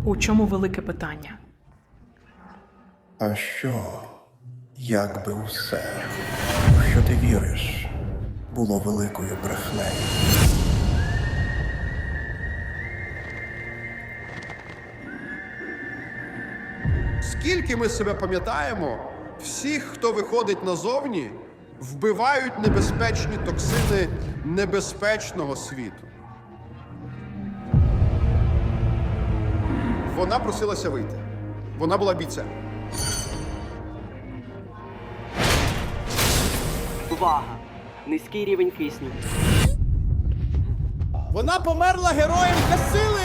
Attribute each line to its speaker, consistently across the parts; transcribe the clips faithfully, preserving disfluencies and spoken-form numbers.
Speaker 1: У чому велике питання?
Speaker 2: А що, якби усе, в що ти віриш, було великою брехнею?
Speaker 3: Скільки ми себе пам'ятаємо, всіх, хто виходить назовні, вбивають небезпечні токсини небезпечного світу. Вона просилася вийти. Вона була бійцем.
Speaker 4: Увага! Низький рівень кисню.
Speaker 3: Вона померла героєм для сили!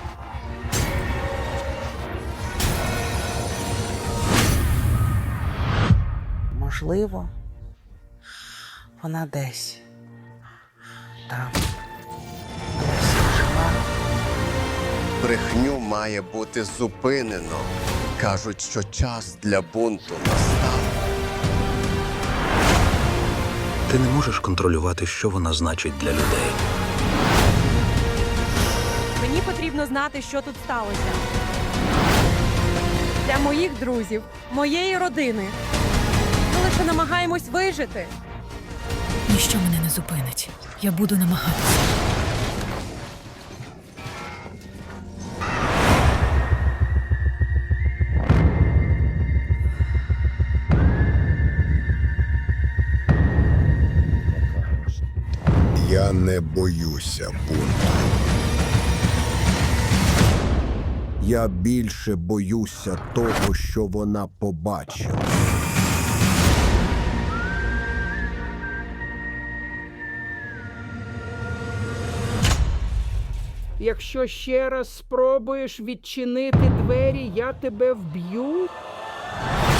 Speaker 5: Можливо, вона десь там досі жива.
Speaker 6: Брехню має бути зупинено. Кажуть, що час для бунту настав.
Speaker 7: Ти не можеш контролювати, що вона значить для людей.
Speaker 8: Мені потрібно знати, що тут сталося. Для моїх друзів, моєї родини. Ми лише намагаємось вижити.
Speaker 9: Ніщо мене не зупинить. Я буду намагатися.
Speaker 10: Я не боюся бунту. Я більше боюся того, що вона побачила.
Speaker 11: Якщо ще раз спробуєш відчинити двері, я тебе вб'ю.